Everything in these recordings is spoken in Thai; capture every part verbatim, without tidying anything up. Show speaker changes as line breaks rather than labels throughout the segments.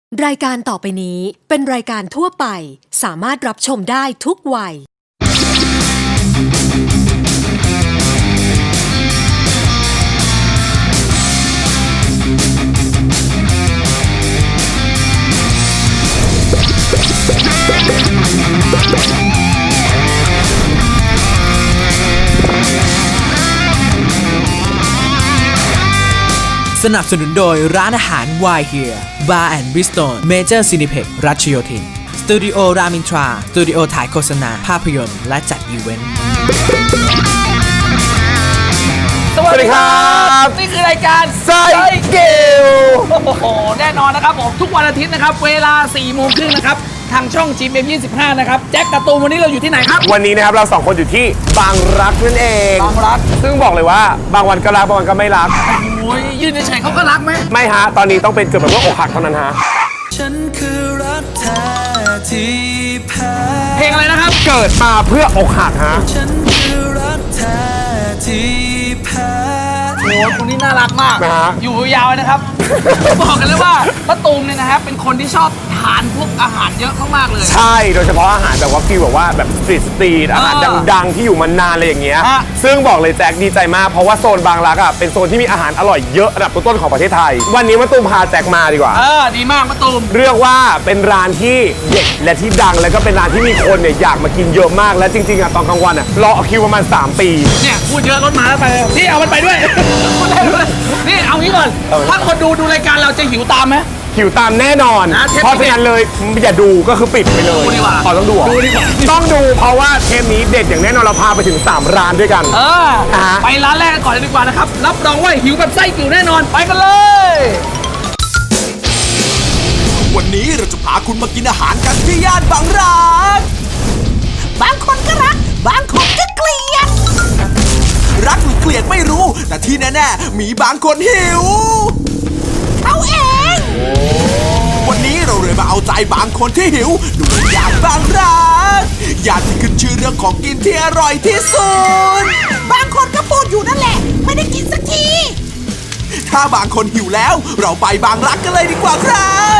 รายการต่อไปนี้เป็นรายการทั่วไปสามารถรับชมได้ทุกวัย
สนับสนุนโดยร้านอาหาร Why Here Bar and Bistro Major Cineplex รัชโยธินสตูดิโอรามินทราสตูดิโอถ่ายโฆษณาภาพยนตร์และจัดอีเวนต์
สวัสดีครับนี่คือรายการไซเกลโอ้โหแน่นอนนะครับผมทุกวันอาทิตย์นะครับเวลาสี่โมงครึ่งนะครับทางช่อง จี เอ็ม ยี่สิบห้า นะครับแจ็คการ์ตูนวันนี้เราอยู่ที่ไหนครับ
วันนี้นะครับเราสองคนอยู่ที่บางรักนั่นเอง
บางรัก
ซึ่งบอกเลยว่าบางวันก็รักบางวันก็ไม่รัก
โอ้ยยืนเฉยๆเขาก็รักไหม
ไม่ฮะตอนนี้ต้องเป็นเกิดแบบว่าอกหักเท่านั้นฮะ
ฉันคือรักแท้ที่แพ้
เพลงอะไรนะครับ
เกิดมาเพื่ออกหักฮะ
ฉันคือรักแท้ที่แพ้
โอ้ยคนนี้น่ารักมากอยู่ยาวๆนะครับบอกกันเลยว่าป้าตูมเนี่ยนะครับเป็นคนที่ชอบทานพวกอาหารเยอะมากๆเลย
ใช่โดยเฉพาะอาหารแบบว่าฟีลแบบว่าแบบสตรีทสตรีทอาหารดังๆที่อยู่มานานอะไรอย่างเงี้ยซึ่งบอกเลยแจ็คดีใจมากเพราะว่าโซนบางรักอ่ะเป็นโซนที่มีอาหารอร่อยเยอะระดับต้นๆของประเทศไทยวันนี้มาตูมพาแจ็คมาดีกว่า
เออดีมากมาตูม
เรียกว่าเป็นร้านที่เด็ดและที่ดังแล้วก็เป็นร้านที่มีคนเนี่ยอยากมากินเยอะมากและจริงๆอ่ะตอนกลางวันอ่ะรอคิวประมาณสามปี
เนี่ยพูดเยอะรถมาแล้วไปพี่เอามันไปด้วยพูดได้ด้วยนี่เอางี้ก่อนถ้าคนดูดูรายการเราจะหิวตามไหม
หิวตามแน่นอนเพราะฉะนั้นเลยอย่าดูก็คือปิดไปเลย
ดูดีกว่า
ขอต้องดู
ดูดีกว่า
ต้องดูเพราะว่าเทปนี้เด็ดอย่างแน่นอนเราพาไปถึงสามร้านด้วยกัน
เออไปร้านแรกก่อนเลยดีกว่านะครับรับรองว่าหิวแบบไส้กิ่วแน่นอนไปกันเลย
วันนี้เราจะพาคุณมากินอาหารกันที่ย่านบางรักบางคนก็รักบางคนก็เกลียดรักหรือเกลียดไม่รู้แต่ที่แน่ๆมีบางคนหิวเขาเองวันนี้เราเลยมาเอาใจบางคนที่หิวด้วยย่านบางรักย่านที่ขึ้นชื่อเรื่องของกินที่อร่อยที่สุดบางคนก็พูดอยู่นั่นแหละไม่ได้กินสักทีถ้าบางคนหิวแล้วเราไปบางรักกันเลยดีกว่าครับ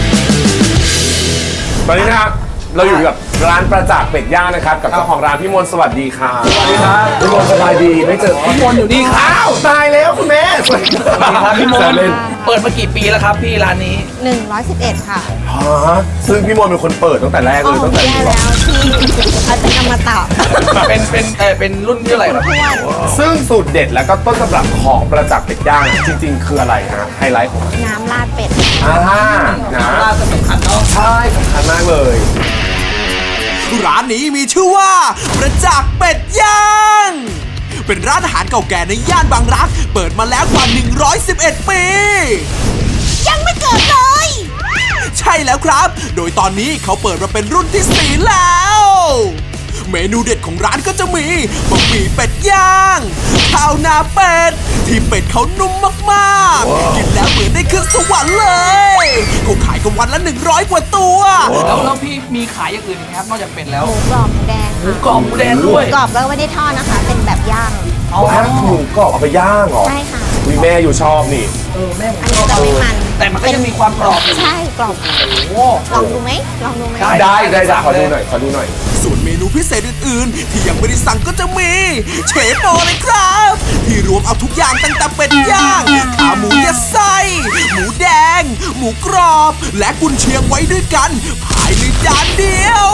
ตอนนี้นะครับเราอยู่กับร้านประจักษ์เป็ดย่างนะครับกับเจ้าของร้านพี่มนต์สวัสดีค่ะ
สวัสดีครับ
พี่มนต์สบายดีไม่เจอ
พี่มนต์อยู่นี่ครับ
ตายแล้วคุณแม่สวัสดี
ครับพี่มนต์เปิดมากี่ปีแล้วครับพี่ร้านนี้
หนึ่งร้อยสิบเอ็ดค่ะ
ฮะซึ่งพี่มนต์เป็นคนเปิดตั้งแต่แรกเลยตั้งแต่
แย่แล้วที่อาจารย์อมตะ
เป็นเป็นเออเป็นรุ่นที่อะไรครับ
ซึ่งสูตรเด็ดแล้วก็ต้นตำรับของประจักษ์เป็ดย่างจริงๆคืออะไรฮะไฮไลท์ของ
น้ำราดเป็ด
อ่าน้ำ
ราดสำคัญเนาะ
ใช่สำคัญมากเลย
ร้านนี้มีชื่อว่าประจักษ์เป็ดย่างเป็นร้านอาหารเก่าแก่ในย่านบางรักเปิดมาแล้วกว่าหนึ่งร้อยสิบเอ็ดปียังไม่เกิดเลยใช่แล้วครับโดยตอนนี้เขาเปิดมาเป็นรุ่นที่สี่แล้วเมนูเด็ดของร้านก็จะมีบะหมี่เป็ดย่างข้าวหน้าเป็ดที่เป็ดเขานุ่มมากๆกินแล้วเหมือนได้ขึ้นสวรรค์เลยเขาขายกันวันละหนึ่งร้อยกว่าตัว
แล้วแล้วพี่มีขายอย่างอื่นไหมครับนอกจากเป็ดแล้ว
หมูกรอบหมูแดง
หมูกรอบหมูแดงด้วย
หมูกรอบก็ไม่ได้ทอดนะคะเป็นแบบย่าง
อ๋อหมูกรอบเอาไปย่างเหรอ
ใช่ค่ะ
มีแม่อยู่ชอบนี่
เออแม่
อันนี้จะไม่มัน
แต่มันก็ยังมีความกรอบ
ใช่กรอบ
โอ้
ลองดูไหมลองดูไหม
ได้ได้ได้ขอดูหน่อยขอดูหน่อย
ส่วนเมนูพิเศษอื่นๆที่ยังไม่ได้สั่งก็จะมีเชฟโปเลยครับที่รวมเอาทุกอย่างตั้งแต่เป็ดย่างขาหมูยัดไส้หมูแดงหมูกรอบและกุนเชียงไว้ด้วยกันภายในจานเดียว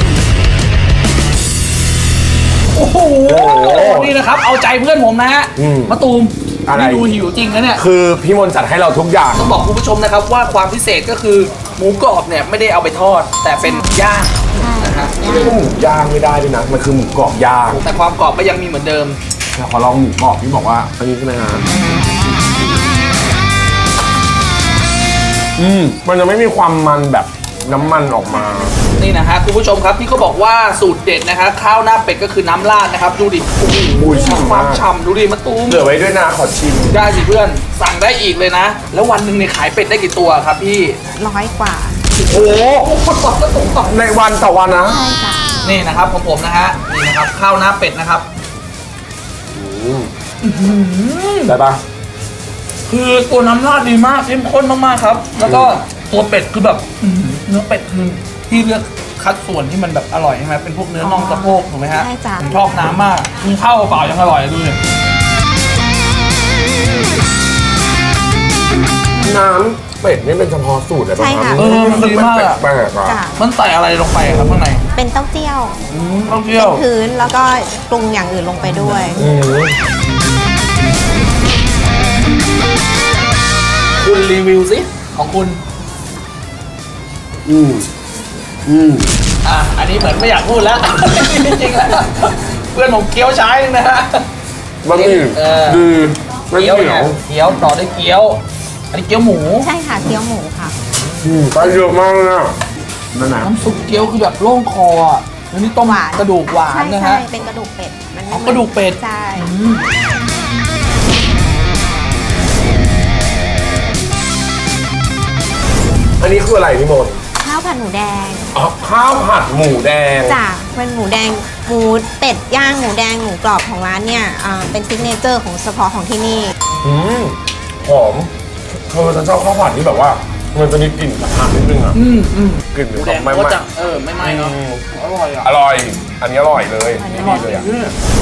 โอ้โหนี่นะครับเอาใจเพื่อนผมนะฮะมะตูมนี่ดูหิวจริงนะเนี่ย
คือพี่มนต์จัดให้เราทุกอย่าง
ต้องบอกคุณผู้ชมนะครับว่าความพิเศษก็คือหมูกรอบเนี่ยไม่ได้เอาไปทอดแต่เป็นย่างนะฮะ
ไม่ได้หมูย่างไม่ได้ด้วยนะมันคือหมูกรอบย่าง
แต่ความกรอบก็ยังมีเหมือนเดิม
ขอลองหมูกรอบพี่บอกว่าอันนี้ใช่ไหมฮะอืมมันจะไม่มีความมันแบบน้ำมันออกมา
นี่นะฮะคุณผู้ชมครับที่เขาบอกว่าสูตรเด็ดนะคะข้าวหน้าเป็ดก็คือน้ำราดนะครับดูดิโอ้โหความฉ่ำดูดิมะตูม
เหลือไว้ด้วยนะขอชิม
ได้สิเพื่อนสั่งได้อีกเลยนะแล้ววันหนึ่งเนี่ยขายเป็ดได้กี่ตัวครับพี่
ร้อยกว่า
โอ้โหในวันต่อวันนะ
ใช่ค่ะ
นี่นะครับของผมนะฮะนี่นะครับข้าวหน้าเป็ดนะครับ
ได้ปะ
คือตัวน้ำราดดีมากเข้มข้นมากๆครับแล้วก็ตัวเป็ดคือแบบอื้อหือเนื้อเป็ดคือที่เลือกคัดส่วนที่มันแบบอร่อยใช่ไหมเป็นพวกเนื้อน่องสะโพกถูกไหมฮะ
ใช่จ้ะ
ผมชอบน้ำมากกินข้าวเปล่ายังอร่อยดูเลย
น้ำเป็ดนี่เป็นเฉพาะสูตรเลยป่ะ
ใช่ค่ะ
เออมันดีมากอะ
แปลกๆอ่ะ
จ้ะ
มันใส่อะไรลงไปครับข้างใน
เป็นเต้าเจี้ยว
อืมต้องเที่ยว
พื้นแล้วก็ปรุงอย่างอื่นลงไปด้วย
อืม
คุณรีวิวสิของคุณ
อืมอืม
อ่ะอันนี้เหมือนไม่อยากพูดแล้ว จริงๆแล้วเพื่อนผมเคี้ยวใช้นึงนะฮะ
บะหมี่
เออ
ดีไม่
เกี๊ยว
เหนี
เนี่ย
ยว
เกี๊ยวต่อด้วยเกี๊ยว อันนี้เกี๊ยวหมู
ใช่ค่ะเกี๊ยวหมูค่ะ
อืมไปเยอะมากเลยอ่ะนั่นนะ
น้ำซุปเกี๊ยวคือแบบโล่งคออ่ะแล้วนี่ต้ม
หวาน
กระดูกหวาน
ใช่
นะ
ใช่
ฮะ
เป็นกระดูกเป็ดมันไม่
อ๋อกระดูกเป็ด
ใช่
อันนี้คืออะไรพี่มนต์
ข้าวผัดหมูแดง
อ๋อข้าวผัดหมูแดง
จ้ะเป็นหมูแดงหมูเป็ดย่างหมูแดงหมูกรอบของร้านเนี่ยอ่าเป็นซิกเนเจอร์ของเฉพาะของที่นี่
อืมหอมเธอฉันชอบข้าวผัดที่แบบว่า มันจะมีกลิ่นกระทะนิดนึงอ่ะ
อืมอืม
กลิ่น
ห
ข
มู
อง
แดง
ไม่
ก็
ไม่
จะเออไม่ไหม้เนาะ
อืม
อร่อยอ่ะ
อร่อย อันนี้อร่อยเลย
อันนี้
ดีเลยอ่ะ
อืม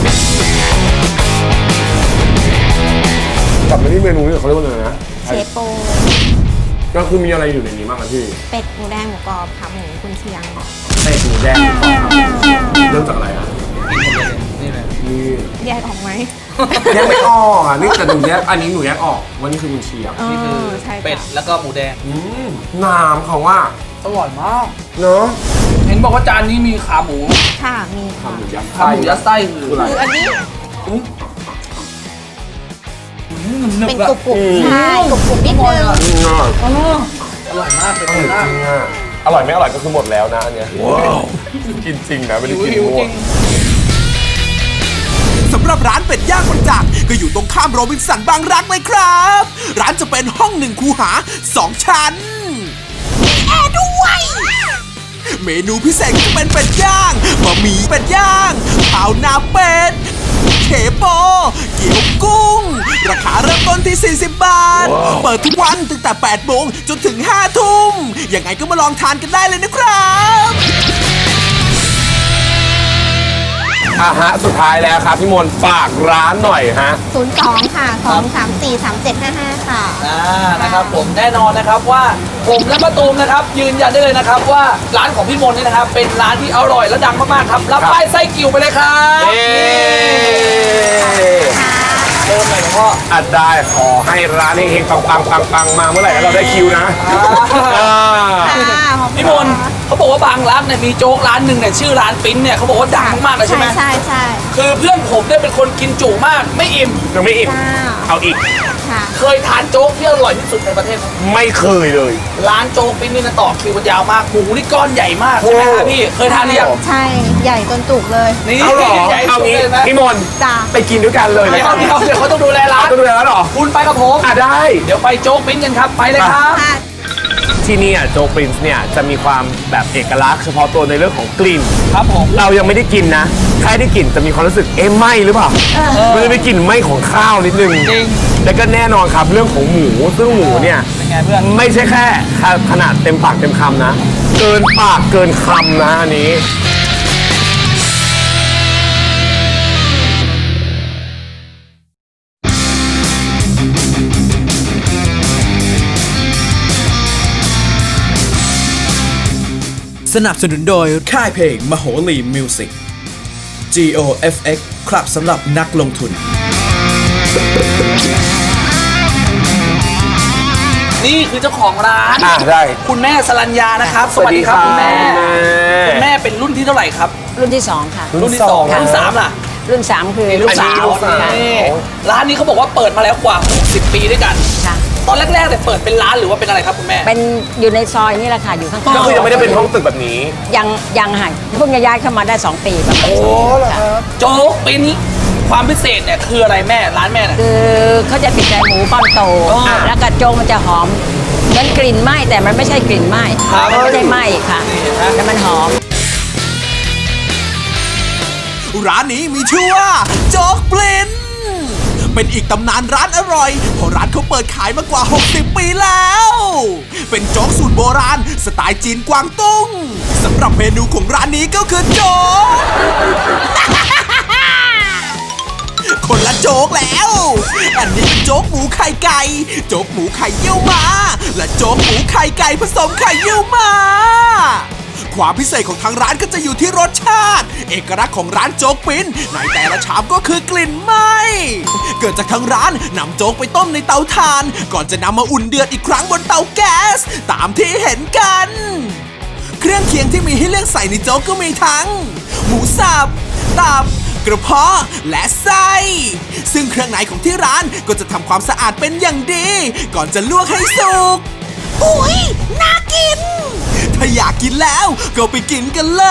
กลับมาที่เมนูนี่เขาเรียกว่าอะไรนะ
เชฟโป
ก็คือมีอะไรอยู่ในนี้บ้างครับพี่
เป็ดหมูแดงหมูกรอบขาหมูกุนเชียง
เป็ดหมูแดงเริ่มจากอะไรอ่ะ
นี่เลย
นี่
แยกออกไหม
แยกไม่ออกอ่ะนี่แต่หนูแยกอันนี้หนูแยกออกว่านี่คือกุนเชียง
นี่คือ
ใช่ค่ะ
เป็ดแล้วก็หมูแดง
อืมน้ำเขาว่า
อร่อยมาก
เนอะ
เห็นบอกว่าจานนี้มีขาหมู
ค่ะมีค่ะ
ทำหมูยัด
ขา
ไส้
หมูยัดไส้คือ
คืออะไร
คืออันนี้
อืมหนึบ
เป็น
ๆอะ
กรุบกรุบใช่กรุบกรุบนิดนึง
อืมอ่ะ
อ๋ออร่อยมากเป็น
อ
ไป
ร่อย
ได้
จริงอ่ะอร่อยไม่อร่อยก็คือหมดแล้วนะอันเนี้ยกินจริงนะไม่ได้กิน
หิว
มั่
จ
ว
ริง
สำหรับร้านเป็ดย่างบางจากก็อยู่ตรงข้ามโรบินสันบางรักเลยครับ ร้านจะเป็นห้องหนึ่งคูหาสองชั้นมีแอร์ด้วย เมนูพิเศษก็จะเป็นเป็ดย่างบะหมี่เป็ดย่างข้าวหน้าเป็ดเคโปเกี๊ยวกุ้ง ราคาเริ่มต้นที่ สี่สิบบาท เปิดทุกวันตั้งแต่ แปดโมงจนถึง ห้าทุ่มยังไงก็มาลองทานกันได้เลยนะครับ
อ่ะฮะสุดท้ายแล้วครับพี่มนต์ฝากร้านหน่อยฮะ
ศูนย์สองค่ะสองสามสี่สามเจ็ดห้าห้าค่ะ
อ่านะครับผมแน่นอนนะครับว่าผมและมะตูมนะครับ ยืนยันได้เลยนะครับว่าร้านของพี่มนต์เนี่ยนะครับ เป็นร้านที่อร่อยและดังมากๆครับรับป้ายไส้กิ่วไปเลยครับ
เย้
เริ่มเลยหลวงพ่อ
อัดได้ขอให้ร้านเฮงๆปังปังปังปังๆมาเมื่อไหร่แล้วเราได้คิวนะอ่า
พี่มนต์เขาบอกว่าบางร้านเนี่ยมีโจ๊กร้านหนึ่งเนี่ยชื่อร้านปิ้นเนี่ยเขาบอกว่าดังมากๆเลยใช่
ใช่
ไหม
ใช่ใช่
คือเพื่อนผมเนี่ยเป็นคนกินจุมากไม่อิ่ม
ยังไม่อิ่ม
จ้า
เอาอีก
ค่ะ
เคยทานโจ๊กที่อร่อยที่สุดในประเทศไหม
ไม่เคยเลย
ร้านโจ๊กปิ้นนี่นะต่อคิวกันยาวมากหมูนี่ก้อนใหญ่มากใช่ไหมฮะพี่เคยทานหรือยัง
ใช่ใหญ่จนจุกเลย
นี่
เอาเหรอ
ใหญ่
เอา
สุด
งี้
เลยไหม
พี่มนต์
จ้า
ไปกินด้วยกันเลย
เดี๋
นะ
ยว
ครับ
เดี๋ยวเดี๋ยวเขาต้องดูแลร้าน
ต้องดูแลแล้วเหรอ
คุณไปกับผม
อ่ะได้
เดี๋ยวไปโจ๊กปิ้นกันครับไปเลยครับ
ค่ะ
ที่นี่อ่ะโจปรินซ์เนี่ยจะมีความแบบเอกลักษณ์เฉพาะตัวในเรื่องของกลิ่น
ครับผม
เรายังไม่ได้กินนะแค่ได้กลิ่นจะมีความรู้สึกเอ๊ะไหมหรือเปล่ามันจะมีกลิ่นไหมของข้าวนิดนึง
จริง
แล้วก็แน่นอนครับเรื่องของหมูซึ่งหมูเนี่ย
เป็นไงเพื่อน
ไม่ใช่แค่ขนาดเต็มปากเต็มคำนะ เกินปากเกินคำนะอันนี้
สนับสนุนโดยค่ายเพลงมโหรีมิวสิก จี โอ เอฟ เอ็กซ์ ครับสำหรับนักลงทุน
นี่คือเจ้าของร้าน
อ่ะได้
คุณแม่สรัญญานะครับ สวัสดีครับคุณแม่ คุณแม่เป็นรุ่นที่เท่าไหร่ครับ
รุ่นที่สองค่ะ
รุ่นที่สองรุ่นสามล่ะ
รุ่นสามคือ
ลูกสาว
ลูกสาว
นี่ร้านนี้เขาบอกว่าเปิดมาแล้วกว่าหกสิบปีด้วยกัน
ค่ะ
ตอนแรกๆเนี่ยเปิดเป็นร้านหรือว่าเป็นอะไรครับคุณแม่
เป็นอยู่ในซอยนี่แหละค่ะ อยู่ข้างๆ
ก็คือยังไม่ได้เป็นห้องตึกแบบนี้
ยังยังค่ะเพิ่งจะย้ายเข้ามาได้สองปีประมาณ
โอ้
สองปีค่ะ
โจ๊กปิ้นความพิเศษเนี่ยคืออะไรแม่ร้านแม่เนี่ย
คือเขาจะติดใจหมูป้อนโต
อ๋อ
แล้วกระโจงมันจะหอมเหมือนกลิ่นไหม้แต่มันไม่ใช่กลิ่นไหม้
ครับ
มันไม่ได้ไหม้ค่ะ
นี่เห็นไหม
แต่มันหอม
ร้านนี้มีชื่อว่าโจ๊กปลินเป็นอีกตำนานร้านอร่อยเพราะร้านเขาเปิดขายมากว่า หกสิบ ปีแล้ว เป็นโจ๊กสูตรโบราณสไตล์จีนกวางตุ้งสำหรับเมนูของร้านนี้ก็คือโจ๊ก คนละโจ๊กแล้ว อันนี้เป็นโจ๊กหมูไข่ไก่ โจ๊กหมูไข่เยี่ยวม้า และโจ๊กหมูไข่ไก่ผสมไข่เยี่ยวม้า ความพิเศษของทางร้านก็จะอยู่ที่รสชาติ เอกลักษณ์ของร้านโจ๊กปิ้นในแต่ละชามก็คือกลิ่นไหม้ เกิดจากทางร้านนำโจ๊กไปต้มในเตาถ่าน ก่อนจะนำมาอุ่นเดือดอีกครั้งบนเตาแก๊ส ตามที่เห็นกัน เครื่องเคียงที่มีให้เลือกใส่ในโจ๊กก็มีทั้ง หมูสับ ตับ กระเพาะ และไส้ ซึ่งเครื่องในของที่ร้านก็จะทำความสะอาดเป็นอย่างดี ก่อนจะลวกให้สุก อุ๊ย น่ากิน ถ้าอยากกินแล้วก็ไปกินกันเลย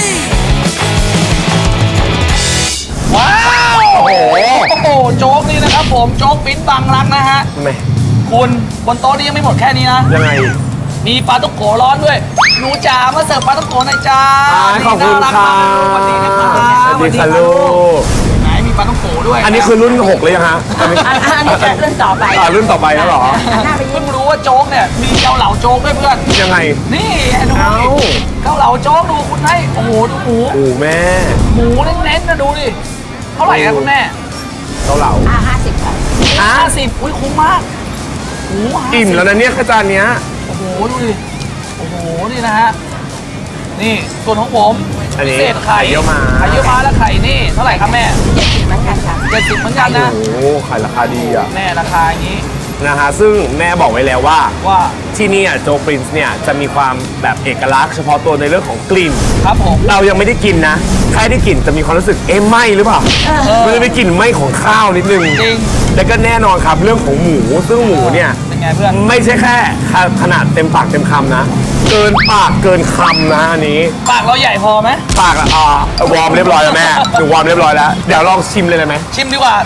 ว้าวโอ้โหโอ้โหโจ๊กนี่นะครับผมโจ๊กปิ้นบางรักนะฮะ
ทำไม
คุณบนโต๊ะนี้ยังไม่หมดแค่นี้นะ
ยังไง
มีปลาต้องโกร้อนด้วยหนูจ๋ามาเสิร์ฟปลาต้องโกหน่อยจ้า
อ่าขอบคุณ
น่ารัก
ค่ะ
มากสวัสดีนะครับ
สวัสดีค่ะลูก
ไหนมีปลาต้องโกด้วย
อันนี้คือรุ่นหกเลยยังฮะอันนี้
อันอันนี้จะเรื่องต่อไป
อ่ารุ่นต่อไปแล้วเหรอ
เพิ่งรู้ว่าโจ๊กเนี่ยมีเกาเหลาโจ๊กด้วยเพื่อน
ยังไง
นี่ดู
เอ้า
ดิเกาเหลาโจ๊กดูคุณให้โอ้โหดูหมู
โอ้แม่
หมูเน้นๆนะดูดิเท่าไหร่ครับคุณแม่
เกาเหลา
อ่าห้าสิบค่ะ
ห้าสิบอุ้ยคุ้มมากโอ้โหห้าสิบ
อิ่มแล้วนะเนี่ยข้าวจานเนี้ย
โอ้โหดูดิโอ้โหนี่นะฮะนี่ส่วนของผม
อันนี้
พิเศษไข่
ไข่เยี่ยวม้า
ไข่เยี่ยวม้าและไข่นี่เท่าไหร่ครับแม่
เหมือนกันค่ะ
เจ็ดสิบเหมือนกันนะ
โอ้โหขายราคาดีอ่ะ
แม่ราคาอย่างนี้
นะฮะซึ่งแม่บอกไว้แล้วว่า
ว่า
ที่นี่อ่ะโจ๊กปรินซ์เนี่ยจะมีความแบบเอกลักษณ์เฉพาะตัวในเรื่องของกลิ่น
ครับผม
เรายังไม่ได้กินนะแค่ได้กลิ่นจะมีความรู้สึกเอ๊ะไหมหรือเปล่ามันจะมีกลิ่นไหมของข้าวนิดนึง
จริง
แล้วก็แน่นอนครับเรื่องของหมูซึ่งหมูเนี่ย
เป็นไงเพื่อน
ไม่ใช่แค่ขนาดเต็มปากเต็มคำนะ เกินปากเกินคำนะอันนี้
ปากเราใหญ่พอไหม
ปากอะอ่าวอร์มเรียบร้อยแล้วแม่หนูวอร์มเรียบร้อยแล้วเดี๋ยวลองชิมเลยได้ไหม
ชิมดีกว่า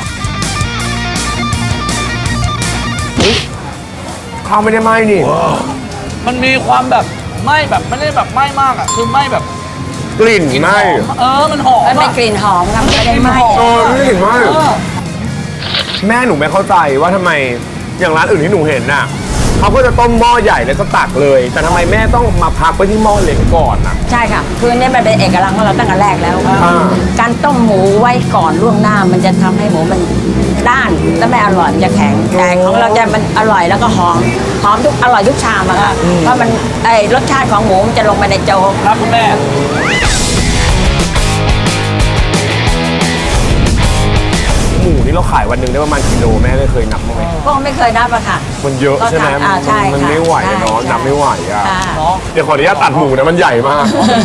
ข้าวไม่ได้ไหมนี่
มันมีความแบบไหม้แบบไม่ได้แบบไหม้มากอ่ะคือไหม้แบบ
กลิ่น
กลิ่น
ไห
ห
ม
อมเออมันหอม
มันไม่
อะ
กลิ่นหอมครับไม่ได้ไหม
เออไม่เห็นไหม
เออ
แม่หนูไม่เข้าใจว่าทำไมอย่างร้านอื่นที่หนูเห็นน่ะเขาก็จะต้มหม้อใหญ่แล้วก็ตักเลย แต่ทำไมแม่ต้องมาพักไว้ที่หม้อเล็กก่อนน่ะ
ใช่ค่ะ คือเนี่ยมันเป็นเอกลักษณ์ของเราตั้งแต่แรกแล้ว
อ่า
การต้มหมูไว้ก่อนล่วงหน้ามันจะทำให้หมูมันด้านและไม่อร่อยมันจะแข็งแต่ของเราจะมันอร่อยแล้วก็หอมหอมทุกอร่อยทุกชามอะค่ะเพราะมันไอรสชาติของหมูมันจะลงไปในโจ๊ก
ครับคุณแม่
หมูนี่เราขายวันหนึ่งได้ประมาณกิโลแม่ได้เคยนับบ้างไหม
ก็ไม่เคยนับอะค่ะ
มันเยอะใช่ไหม
ก็ทานอ่าใช่
มัน
ค่ะ
ไม่ไหวอะเนาะ
ใช่
นับไม่ไหวอ่ะ
ค่ะ
เนาะ
เดี๋ยวขออนุญาตตัดหมูนะมันใหญ่มาก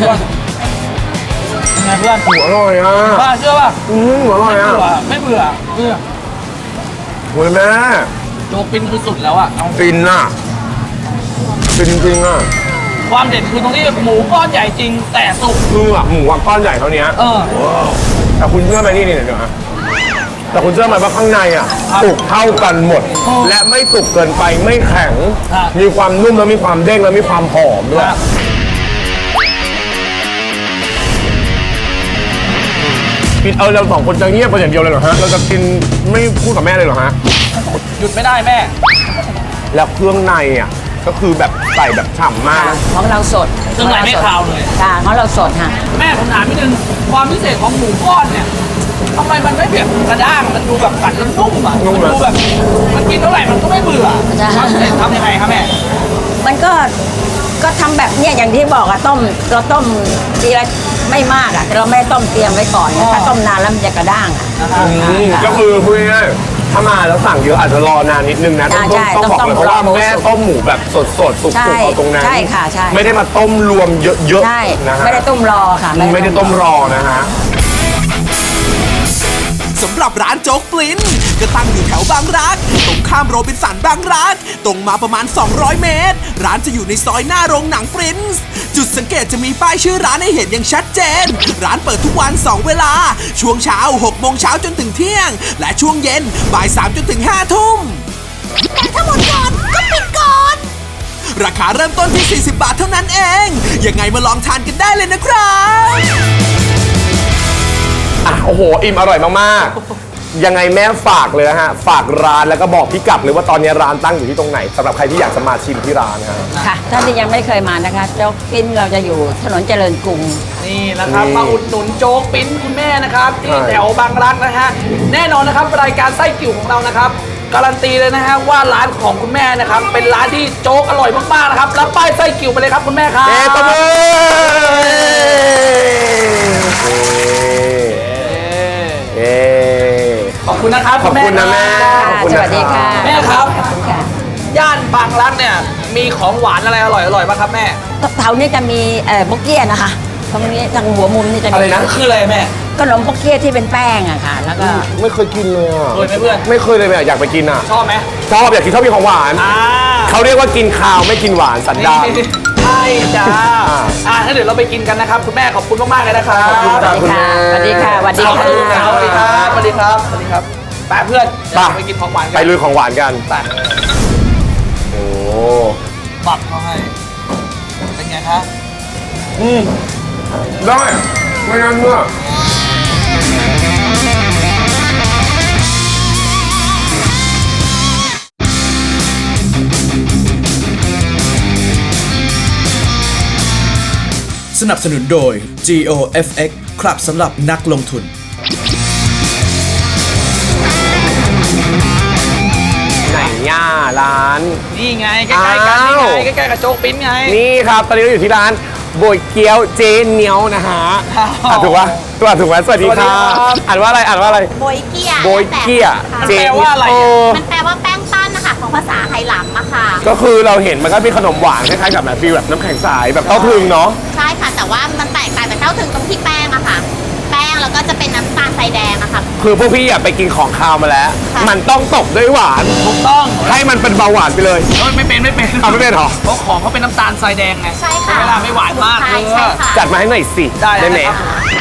เป็นไงเพื่อน
หมูอร่อยอ่ะ
ป้าเชื่อป่ะ
อืมหมูอร่อย
ไม่
อ่ะ
เบื่อไม่เบื่อเบื่อ
โอ้ยแม่
โจ๊กปิ้นคือสุดแล้วอ่ะเอา
ฟินอ่ะฟินจริงๆอ่ะ
ความเด็ดคือตรงที่หมูก้อนใหญ่จริงแต่สุก
คืออ่ะหมูอ่ะก้อนใหญ่เท่านี้
เออ
แต่คุณเชื่อไหมนี่นี่เดี๋ยวนะแต่คุณเชื่อไหมว่าข้างในอ่ะ
ครับ
สุกเท่ากันหมด
อ๋อ
และไม่สุกเกินไปไม่แข็ง
ครับ
มีความนุ่มแล้วมีความเด้งแล้วมีความหอมด้วย กินเออเราสองคนจะเงียบไปอย่างเดียวเลยเหรอฮะ เราจะกินไม่พูดกับแม่เลยเหรอฮะ
หยุดไม่ได้แม่
แล้วเครื่องในอ่ะก็คือแบบใส่แบบฉ่ำมากนะ
ของเราสด
เครื่องในไม่คาวเลย
ค่ะของเราสดค่ะ
แม่ผมถามนิดนึงความพิเศษของหมูก้อนเนี่ยทำไมมันไม่แบบกระด้างมันดูแบบกัดแล้วนุ่มอ่ะมันดูแบบมันกินเท่าไหร่มันก็ไม่เบื่อ
ใช่
ความพิเศษทำยังไงครับแม่
มันก็ก็ทำแบบเนี้ยอย่างที่บอกอะต้มเราต้มทีละไม่มากอะเราไม่ต้มเตรียมไว้ก่อนถ้าต้มนานแล้วมันจะกระด้างอะ
อืมก็คือพูดง่ายๆถ้ามาแล้วสั่งเยอะอาจจะรอนานนิดนึงนะต้อง
ใช่
ต้องต้องบอกเลยเพราะว่า
ต้องรอ
แม่ต้มหมูแบบสดๆสุก
ใช่
ๆเอาตรงนั้น
ใช่ค่ะใช่
ไม่ได้มาต้มรวมเยอะ
ใช่
ๆนะฮะ
ไม่ได้ต้มรอค่ะ
ไม่ได้ต้มรอนะฮะ
สำหรับร้านโจ๊กปลิ้นก็ตั้งอยู่แถวบางรัก ตรงข้ามโรบินสันบางรัก ตรงมาประมาณ สองร้อย เมตร ร้านจะอยู่ในซอยหน้าโรงหนังปรินซ์จุดสังเกตจะมีป้ายชื่อร้านให้เห็นอย่างชัดเจน ร้านเปิดทุกวัน สอง เวลา ช่วงเช้า หก โมงเช้าจนถึงเที่ยง และช่วงเย็นบ่าย สาม จนถึง ห้า ทุ่มแต่ถ้าหมดก่อนก็ปิดก่อน ราคาเริ่มต้นที่ สี่สิบ บาทเท่านั้นเอง ยังไงมาลองทานกันได้เลยนะครับ
อ่ะโอ้โห อิ่มอร่อยมากๆยังไงแม่ฝากเลยนะฮะฝากร้านแล้วก็บอกพี่กัดเลยว่าตอนนี้ร้านตั้งอยู่ที่ตรงไหนสำหรับใครที่อยากจะมาชิมที่ร้านนะฮะ
ค่ะท่านที่ยังไม่เคยมานะคะโจ๊กปิ้นเราจะอยู่ถนนเจริญกรุง
นี่นะครับ
นี่
มาอุดหนุนโจ๊กปิ้นคุณแม่นะครับที่
ใช่
แถวบางรักนะฮะแน่นอนนะครับรายการไส้กิ่วของเรานะครับการันตีเลยนะฮะว่าร้านของคุณแม่นะครับเป็นร้านที่โจ๊กอร่อยมากๆนะครับรับป้ายไส้กิ่วไปเลยครับคุณแม่ครับ
เอ๊ะตบมือเอ๊ะ
ขอบคุณนะครับ
ขอบคุณนะแม่ขอบคุณ
ส
นะ
วัสดีค่ะ
แม่ครับ
ขอบคุณค่ะ
ย่านบางรักเนี่ยมีของหวานอะไรอร่อยอร่อยๆบ้างครับแม่
แถวนี้จะมีเอ่อบุกเกี้ยนะคะตรงนี้ทางหัวมุมนี่จะ
อะไร
มี
นะคืออะไรแม่
ขนมบุกเกี้ยที่เป็นแป้งอะค่ะ แล้วก็
ไม่เคยกินเลยอ่ะ
เคยไหมเพื่อน
ไม่เคยเลยอะอยากไปกินอ่ะ
ชอบไหม
ชอบอยากกินชอบกินของหวาน
อ่า
เขาเรียกว่ากินข้าวไม่กินหวานสันดาน
ใช่จ้า
อ่า
อ่าถ้าเดี๋ยวเราไปกินกันนะครับคุณแม่ขอบคุณมากๆเลยนะครับ
ขอบคุณครับ
สวัสดีค่ะสวัสดี
ขอบ
ค่ะ
คุณครับสวัสดีครับสวัสดีครับสวัสดีครับไปเพื่อนเดี๋ยวเราไปกินของหวานกั
ไปลุยของหวานกัน
ไป
โอ้
ปักเขาให้เป็นไงครับ
อืมได้ไม่งั้นเมื่อ
สนับสนุนโดย จี โอ เอฟ เอ็กซ์ ครับสำหรับนักลงทุน
ไหนย่าร้าน
นี่ไงใกล้ๆกันนี่
อ้าว
ไงใกล้ๆกับโจ๊กปิ้นไง
นี่ครับตอนนี้เราอยู่ที่ร้านโบยเกี๊ยวเจเหนียวนะฮะ
อ้าว
อ่ะถูกปะถูกปะถูกไหมสวัสดี
สวัสดี
ค่ะ
ครับ
อ่านว่าอะไรอ่านว่าอะไร
โบยเกีย
โบยเกี๊ย
มัน
เจ
แปลว่าอะไรอ่ะ
โ
มันแปลว่าแป้งปั้นนะคะของภาษาไหหลำอะค่ะ
ก็คือเราเห็นมันก็เป็นขนมหวานคล้ายๆกับแบบฟีลแบบน้ำแข็งใสแบบเต้าถึงเนาะ
ใช่ค่ะ แต่ว่ามันแตกต่างจากเต้าถึงตรงที่แป้งอะค่ะ แป้งแล้วก็จะเป็นน้ำตาลทรายแดงอะค่ะ
คือพวกพี่อยากไปกินของคาวมาแล้ว
ค่ะ
มันต้องตบด้วยหวาน
ถูกต้อง
ให้มันเป็นเบาหวานไปเลย
เอ้ยไม่เป็นไม่เป็น
เอาไม่เป็นเหรอ
เพราะของเขาเป็นน้ำตาลทรายแดงไง
ใช่ค่ะ
เวลาไม่หวานมาก
ใช่
เอ
ใช่
อ
ค่ะ
จัดมาให้หน่อยสิ
ได้เลย
ไหม
นะครับ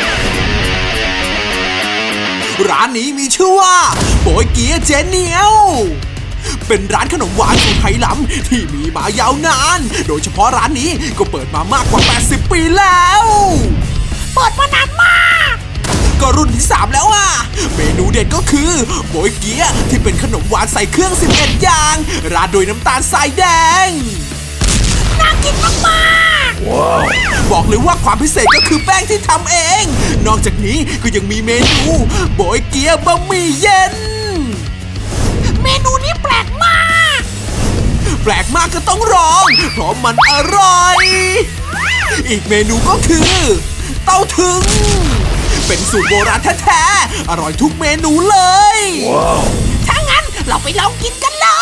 ร้านนี้มีชื่อว่าโบยเกี๊ยเจเหนียว เป็นร้านขนมหวานสูตรไหหลำที่มีมายาวนาน โดยเฉพาะร้านนี้ก็เปิดมามากกว่า แปดสิบ ปีแล้ว เปิดมานานมาก ก็รุ่นที่ สาม แล้วอ่ะ เมนูเด็ดก็คือโบยเกี๊ยที่เป็นขนมหวานใส่เครื่อง สิบเอ็ด อย่าง ราดโดยน้ำตาลทรายแดง น่ากินมากๆ บอกเลยว่าความพิเศษก็คือแป้งที่ทำเอง นอกจากนี้ก็ยังมีเมนูโบยเกี๊ยบะหมี่เย็น เมนูนี้แปลกมาก แปลกมากก็ต้องลอง เพราะมันอร่อย อีกเมนูก็คือ เต้าถึง เป็นสูตรโบราณแท้ๆ อร่อยทุกเมนูเลย ถ้างั้นเราไปลองกินกันเลย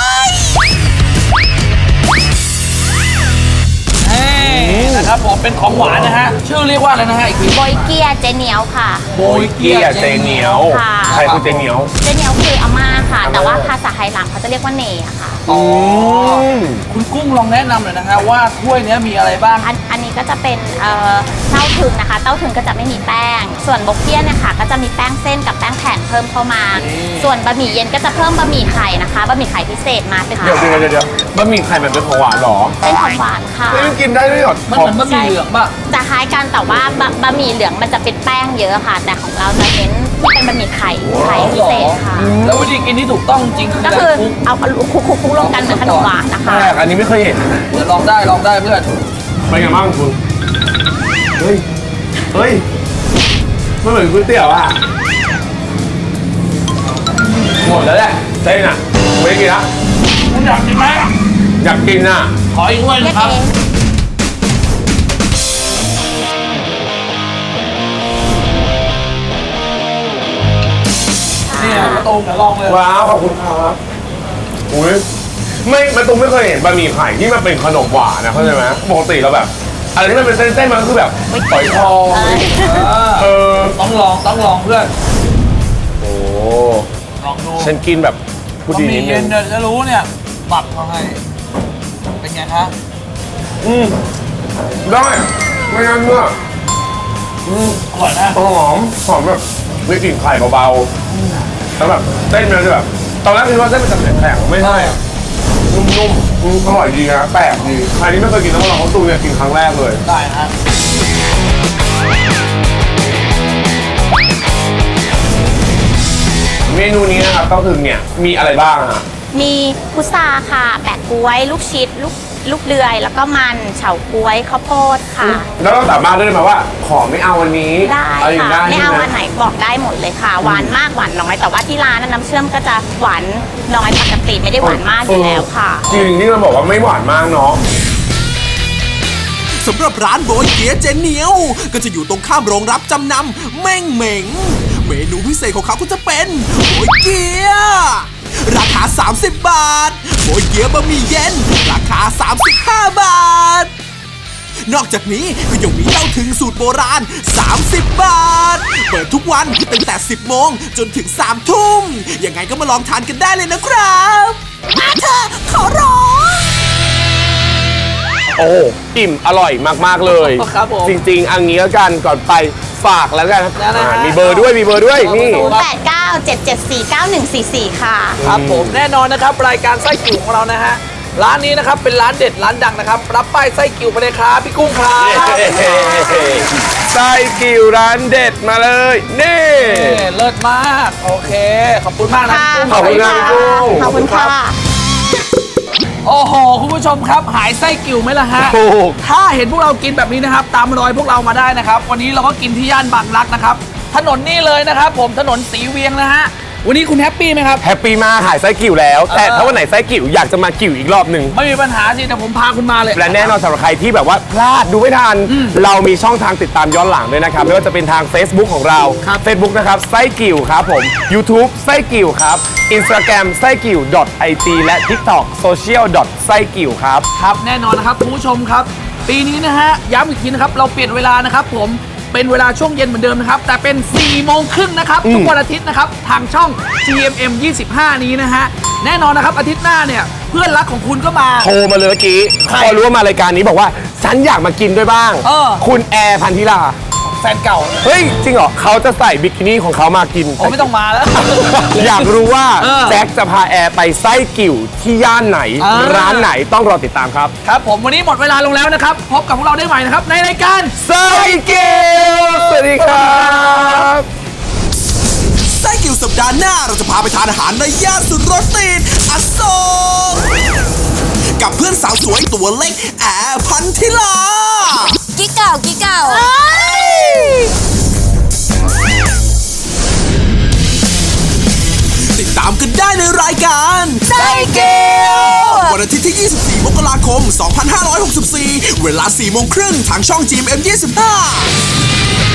เฮ้นะครับผมเป็นของหวานนะฮะชื่อเรียกว่าอะไรนะฮะอีกที
โบยเกียเจเหนียวค่ะ
โบย
เกี๊ยเจเหนียว
ค่ะ
ใครคือเจเหนียว
เจเหนียวคืออาม่าค่ะ แต่ว่าภาษาไหหลำเขาจะเรียกว่าเนอะค่ะ
อ๋อคุณกุ้งลองแนะนำหน่อยนะฮะว่าถ้วยเนี้ยมีอะไรบ้าง
อันอันนี้ก็จะเป็นเอ่อเต้าถึงนะคะ เต้าถึงก็จะไม่มีแป้ง ส่วนบกเกี้ยเนี่ยค่ะก็จะมีแป้งเส้นกับแป้งแผ่นเพิ่มเข้ามา ส่วนบะหมี่เย็นก็จะเพิ่มบะหมี่ไข่นะคะ บะหมี่ไข่พิเศษมาเป็น
เดี๋ยวเดี๋ยวเดี๋ยวเดี๋ยวบะหมี่ไข่แบบเป็นของหวานเหรอ
เป็นของหวานค่ะ
ไม่กินได้ด้วยเหรอ
มันเหมือนบะหมี่เหลืองป่ะ
จะคล้ายกันแต่ว่าบะบะหมี่เหลืองมันจะเป็นแป้งเยอะค่ะ แต่ของเราจะเน้นที่เป็นบะหมี่ไข่ไข่พิเศษค่ะ
แล้ววิธีกินที่ถูกต้องจริงคือ
ก็
การ
คือ
คลุก
เอาคลุกคลุกคลุกรวมกันเหมือนขนมหวานนะคะ
แปลกอันนี้ไม่เคยเห็น
เดี๋ยวลองได้ลองได้เพื่อน
เป็นไงบ้างคุณ เฮ้ย เฮ้ยมันเหมือนก๋วยเตี๋ยวอะหมดแล้วแหละเส้นอะไม่ได้กินละ
คุณอยากกินไหม
อยากกินอะ
ขออีกถ้วยหนึ
เรีย
ง
ก
ครับ
เอง
เนี่ยกระตูมเดี๋ยวลองเลย
ว้าวขอบคุณครับอุ้ยไม่มาตุ้มไม่เคยเห็นบะหมี่ไข่ที่มันเป็นขนมหวานนะเข้าใจไหมปกติเราแบบอะไรที่มันเป็นเส้นๆมันก็คือแบบฝอยทอง เออ
ต้องลองต้องลองเพื่อน
โอ้
ลองดู
ฉันกินแบบผู้ดี
บะห
นิ
มี่
ดนึ
เย็
ง
นเนี่ยจะรู้เนี่ยปักเขาให้เป็นไงครับ
อืมได้ไม่งั้นเมื่อ
อร่อยนะ
หอมหอมแบบมีกลิ่นไข่เบาๆแล้วแบบเส้นมันจะแบบตอนแรกคิดว่าเส้นมันจะแข็งๆไม่ใช่นุ่มๆอืมอร่อยดีนะแปลกดีใครที่ไม่เคยกินต้องลองเขาตูเนี่ยกินครั้งแรกเลย
ได้นะฮะ
เมนูนี้นะครับเต้าถึงเนี่ยมีอะไรบ้างอะ
มีพุทราค่ะ แปะกล้วย ลูกชิด ลูกลูกเดือย แล้วก็มันเฉาก๊วยข้าวโพดค่ะ
แล้วเราสามารถเลือกได้ไหมว่าขอไม่เอาวันนี้
ได้
เอาอย่าง
ค่ะ
ได้
ไม่เอา
ใช่
อันไหนบอกได้หมดเลยค่ะ หวานมากหวานน้อย แต่ว่าที่ร้านน่ะน้ำเชื่อมก็จะหวานน้อยปกติไม่ได้หวานมากอยู่แล้วค่ะ
จริงที่เราบอกว่าไม่หวานมากเนาะ
สำหรับร้านโบยเกี๊ยะเจเหนียว ก็จะอยู่ตรงข้ามโรงรับจำนำเม่งเหม่ง เมนูพิเศษของเขาก็จะเป็นโบยเกี๊ยะราคา สามสิบบาทโบยเกี๊ยะบะหมี่เย็น ราคา สามสิบห้าบาท นอกจากนี้ก็ยังมีเต้าถึงสูตรโบราณ สามสิบบาท เปิดทุกวันตั้งแต่ สิบโมงจนถึง สามทุ่มยังไงก็มาลองทานกันได้เลยนะครับมาเถอะขอร้อง
โอ้อิ่มอร่อยมากๆเลย
ครับผม
จริงๆอันนี้แล้วกันก่อนไปฝากแล้วกัน
แล้วนะฮะ
อ่ามีเบอร์ด้วยมีเบอร์ด้วยนี่
ศูนย์ แปด เก้า เจ็ด เจ็ด สี่ เก้า หนึ่ง สี่ สี่ ค่ะ
ครับผมแน่นอนนะครับรายการไส้กิ่วของเรานะฮะร้านนี้นะครับเป็นร้านเด็ดร้านดังนะครับรับป้ายไส้กิ่วไปเลยครับพี่กุ้งครับ
ไส้กิ่วร้านเด็ดมาเลยนี่
เอ้เลิศมากโอเค ขอบคุณมากนะพี่กุ้ง
ขอบคุณครับพี่กุ้ง
ขอบคุณค่ะ
โอ้โหคุณผู้ชมครับหายไส้กิ่วไหมล่ะฮะ
ถูก
ถ้าเห็นพวกเรากินแบบนี้นะครับ ตามรอยพวกเรามาได้นะครับ วันนี้เราก็กินที่ย่านบางรักนะครับ ถนนนี่เลยนะครับ ผมถนนสีเวียงนะฮะวันนี้คุณแฮปปี้ไหมครับ
แฮปปี้มากหายไส้กิ่วแล้ว แต่ถ้าวันไหนไส้กิ่วอยากจะมากิ่วอีกรอบหนึ่ง
ไม่มีปัญหาสิแต่ผมพาคุณมาเลย
และแน่นอนสำหรับใครที่แบบว่าพลาดดูไม่ทัน เรามีช่องทางติดตามย้อนหลังด้วยนะครับ ไม่ว่าจะเป็นทาง Facebook ของเรา Facebook นะครับไส้กิ่วครับผม YouTube ไส้กิ่วครับ Instagram ไส้กิ่ว .it และ TikTok social ไส้กิ่วครับ
ครับแน่นอนนะครับคุณผู้ชมครับ ปีนี้นะฮะย้ำอีกทีนะครับเราเปลี่ยนเวลานะครับผมเป็นเวลาช่วงเย็นเหมือนเดิมนะครับแต่เป็น4ี่โมงครึ่งนะครับทุกวันอาทิตย์นะครับทางช่อง จี เอ็ม เอ็ม ยี่สิบห้า นี้นะฮะแน่นอนนะครับอาทิตย์หน้าเนี่ยเพื่อนรักของคุณก็มา
โทรมาเลยเมื่อกี้
ใคร
พอรู้ว่ามารายการนี้บอกว่า ฉันอยากมากินด้วยบ้าง
เออ
คุณแอร์พันธิลา
แฟนเก่า
เฮ้ย จริงเหรอเขาจะใส่บิกินี่ของเขามากิน
ผมไม่ต้องมาแล้ว
อยากรู้ว่า
เออ
แจ็คจะพาแอร์ไปไส้กิ่วที่ย่านไหน
อ่า
ร้านไหนต้องรอติดตามครับ
ครับผมวันนี้หมดเวลาลงแล้วนะครับพบกับพวกเราได้ใหม่นะครับในรายการ
ไส้กิ่วสวัสดีครับ
ไส้กิ่วสัปดาห์หน้าเราจะพาไปทานอาหารในย่านสุดรถติดอโศกกับเพื่อนสาวสวยตัวเล็กแอร์พันธิลา
กิ๊กเก่ากิ๊กเก่า
ติดตามกันได้ในรายการไส้เกลวันอาทิตย์ที่ ยี่สิบสี่ มกราคม สองพันห้าร้อยหกสิบสี่ เวลา สี่โมงครึ่งทางช่อง จี เอ็ม เอ็ม ยี่สิบห้า